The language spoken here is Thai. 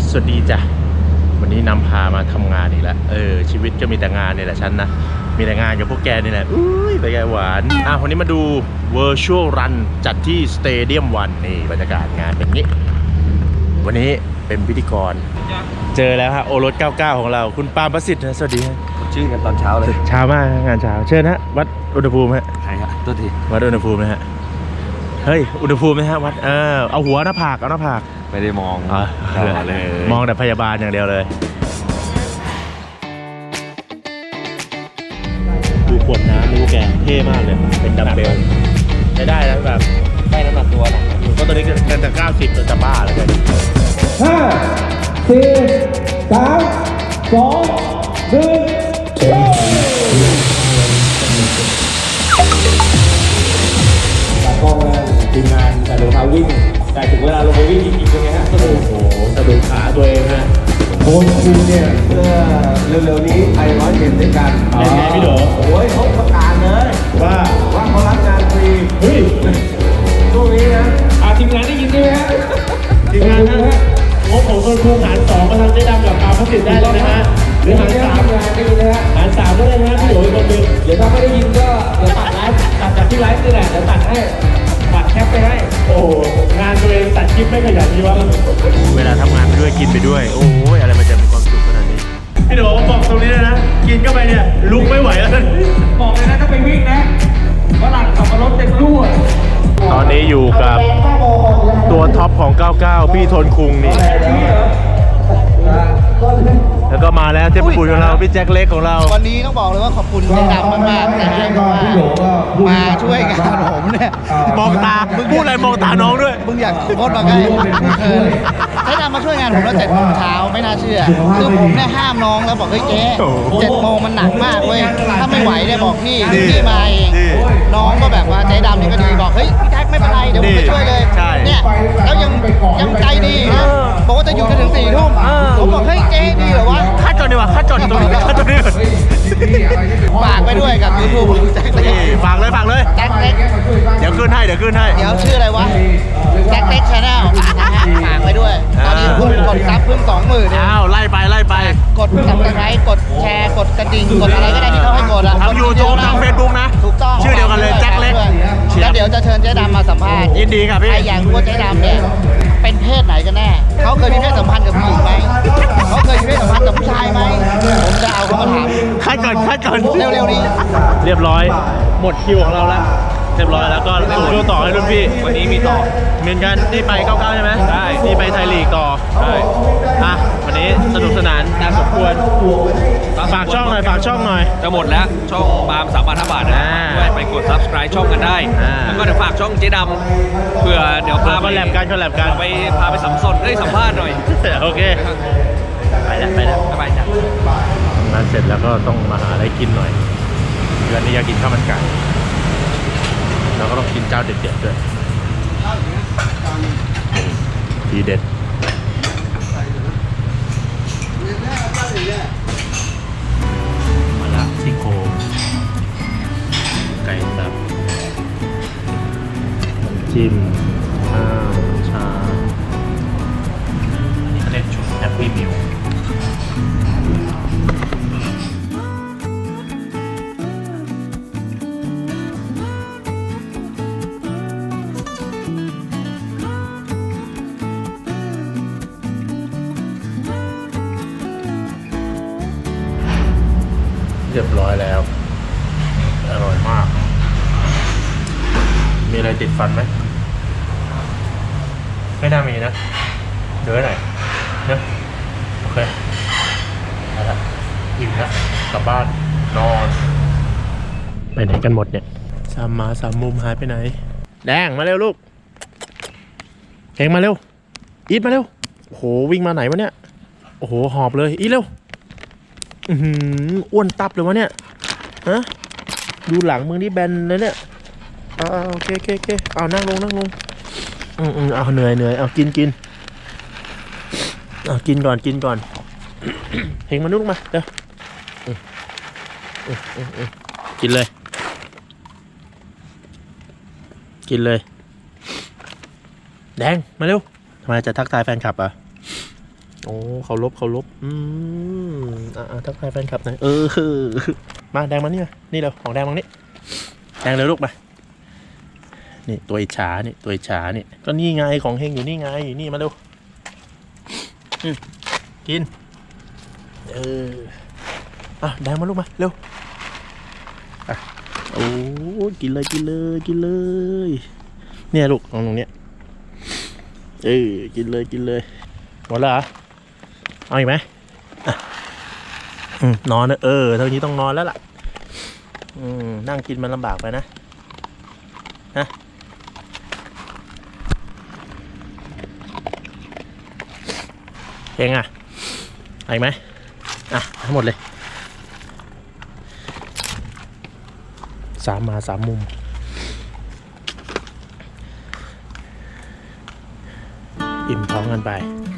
สวัสดีจ้ะวันนี้นำพามาทำงานอีกแล้วชีวิตก็มีแต่งานนี่แหละฉันนะมีแต่งานกับพวกแกนี่แหละอุ้ยไปแกหวานวันนี้มาดู Virtual Run จัดที่ Stadium 1นี่บรรยากาศงานเป็นงี้วันนี้เป็นพิธีกรเจอแล้วฮะโอรส99ของเราคุณปาล์มประสิทธิ์นะสวัสดีฮะชื่อกันตอนเช้าเลยเช้ามากงานเช้าเชิญฮะวัดอุณหภูมิฮะใครฮะตัวทีวัดอุณหภูมินะฮะเฮ้ยอุณหภูมินะฮะวัดเอาหัวหน้าผากเอาหน้าผากไม่ได้มองเลยมองแต่พยาบาลอย่างเดียวเลยดูขวดน้ำนี่พวกแกเท่มากเลยเป็นดัมเบลใช้ได้นะแบบได้น้ำหนักตัวนะก็ตัวนี้กันแต่90ตัวจะบ้าแล้วกัน 5 4 3 2 1กล้องนะทีมงานแต่เดี๋ยวเขาวิ่งแต่ถึงเวลาลงไปวิ่งจริงๆเป็นไงฮะโอ้โหสะดุดขาตัวเองฮะโค้ชคุณเนี่ยเมื่อเร็วๆนี้ไป100เกมด้วยกันเป็นไงพี่โดโอ้ยเขาประกาศเลยว่าเขารับงานฟรีเฮ้ยช่วงนี้นะทีมงานได้ยินใช่ไหมฮะทีมงานนะงบของคนครูหาร2มาทำได้ดำกับปาล์มพัสดิ์ได้เลยนะฮะหรือหาร3 ได้ยินนะฮะหาร3ก็ได้นะพี่โดอีกคนนึงเดี๋ยวถ้าไม่ได้ยินก็เดี๋ยวตัดไลฟ์ตัดจากที่ไลฟ์นี่แหละเดี๋ยวตัดให้ตัดแคปไปให้โอ้งานตัวเองตัดคลิปไม่ขยันดีวะเวลาทำงานไปด้วยกินไปด้วยโอ้ยอะไรมันจะมีความสุขขนาดนี้พี่โดบอกตรงนี้เลยนะกินเข้าไปเนี่ยลุกไม่ไหวแล้วบอกเลยนะถ้าไปวิ่งนะฝรั่งขับรถเต็มรั่วตอนนี้อยู่กับตัวท็อปของ99พี่ทนคุงนี่แล้วก็มาแล้วเทพบุตรของเราพี่แจ็คเล็กของเราวันนี้ต้องบอกเลยว่าขอบคุณเจ๊ดำมากๆนะฮะมาช่วยงานผมเนี่ยมองตามึงพูดอะไรมองตาน้องด้วยมึงอยากโคตรมาใกล้เจ๊ดำมาช่วยงานผมแล้ว7 โมงเช้าไม่น่าเชื่อคือผมเนี่ยห้ามน้องแล้วบอกเฮ้ยเจ๊7 โมงมันหนักมากเว้ยถ้าไม่ไหวเนี่ยบอกพี่มาเองน้องก็แบบว่าเจ๊ดำนี่ก็ดีบอกเฮ้ยพี่แจ็คไม่เป็นไรเดี๋ยวผมไปช่วยเลยเนี่ยแล้วยังใจดีนะบอกว่าจะอยู่จนถึง4 ทุ่มผมบอกเฮ้ยเจ๊ดีเหรอวะคัดจนดีกว่าคัดจนตรงนี้คัดจนดีฝากไปด้วยกับ YouTube แจ็คเล็กฝากเลยแจ็คเล็กเดี๋ยวขึ้นให้เดี๋ยวชื่ออะไรวะแจ็คเล็กชาแนลฝากไปด้วยตอนนี้เพิ่งกดซับเพิ่ง 20,000 อ้าวไล่ไปกดซับสไครต์กดแชร์กดกระดิ่งกดอะไรก็ได้ที่เขาให้กดทาง YouTube ทาง Facebook นะถูกต้องชื่อเดียวกันเลยแจ็คเล็กแล้วเดี๋ยวจะเชิญเจ๊ดำมาสัมภาษณ์ยินดีครับพี่ใครอยากรู้ว่าเจ๊ดำเนี่ยเป็นเพศไหนกันแน่เขาเคยมีเพศสัมพันธ์กับผู้หญิงไหมเขาเคยมีเพศสัมพันธ์กับผู้ชายไหมผมจะเอาเขามาถามคัดก่อนเร็วๆนี้เรียบร้อยหมดคิวของเราแล้วเรียบร้อยแล้วก็ส่งคิวต่อให้รุ่นพี่วันนี้มีต่อเหมือนกันนี่ไป99ใช่ไหมใช่นี่ไปไทยลีกต่อใช่วันนี้สนุกสนานน่าสมควรฝากช่องหน่อยจะหมดแล้วช่องปาล์ม3,500 บาทนะด้วยไปกด subscribe ช่องกันได้แล้วก็เดี๋ยวฝากช่องเจ๊ดำเพื่อเดี๋ยวพาไปแลบกันไปพาไปสัมภาษณ์หน่อยโอเคไปแล้วสบายจ้ะงานเสร็จแล้วก็ต้องมาหาอะไรกินหน่อยเดือนนี้อยากกินข้าวมันไก่แล้วก็ต้องกินเจ้าเด็ดๆด้วยทีเด็ดมาละซี่โครงไก่สับจิ้มข้าวชาอันนี้เขาเรียกชุดแฮปปี้มิลเรียบร้อยแล้วอร่อยมากมีอะไรติดฟันไหมไม่น่ามีนะเดี๋ยวหน่อยนะโอเคเอาละอิ่มแล้วกลับบ้านนอนไปไหนกันหมดเนี่ย3 มุมหายไปไหนแดงมาเร็วลูกเฮงมาเร็วอีทมาเร็วโอ้โหวิ่งมาไหนวะเนี่ยโอ้โหหอบเลยอีทเร็วอ้วนตับเลยวะเนี่ยฮะดูหลังมึงนี่แบนเลยเนี่ยโอเคเอานั่งลงเอาเหนื่อยเอากินเอากินก่อนเฮงมานุ่งมาเดี๋ยวกินเลยแดงมาเร็วทำไมจะทักทายแฟนคลับอ่ะโอ้เขาลบทักทายแฟนคลับหน่อยมาแดงมานี่มานี่เร็วของแดงมานี่แดงเร็วลูกมานี่ตัวอิจฉานี่ตัวอิจฉานี่ก็นี่ไงของเฮงอยู่นี่ไงนี่มาเร็วกินแดงมาลูกมาเร็วโอ้กินเลยเนี่ยลูกของตรงเนี้ยกินเลยหมดแล้วเหรอเอาอีกไหมนอนนะเท่านี้ต้องนอนแล้วล่ะนั่งกินมันลำบากไปนะเพลงเอาอีกไหมทั้งหมดเลย3 มา 3 มุมอิ่มท้องกันไป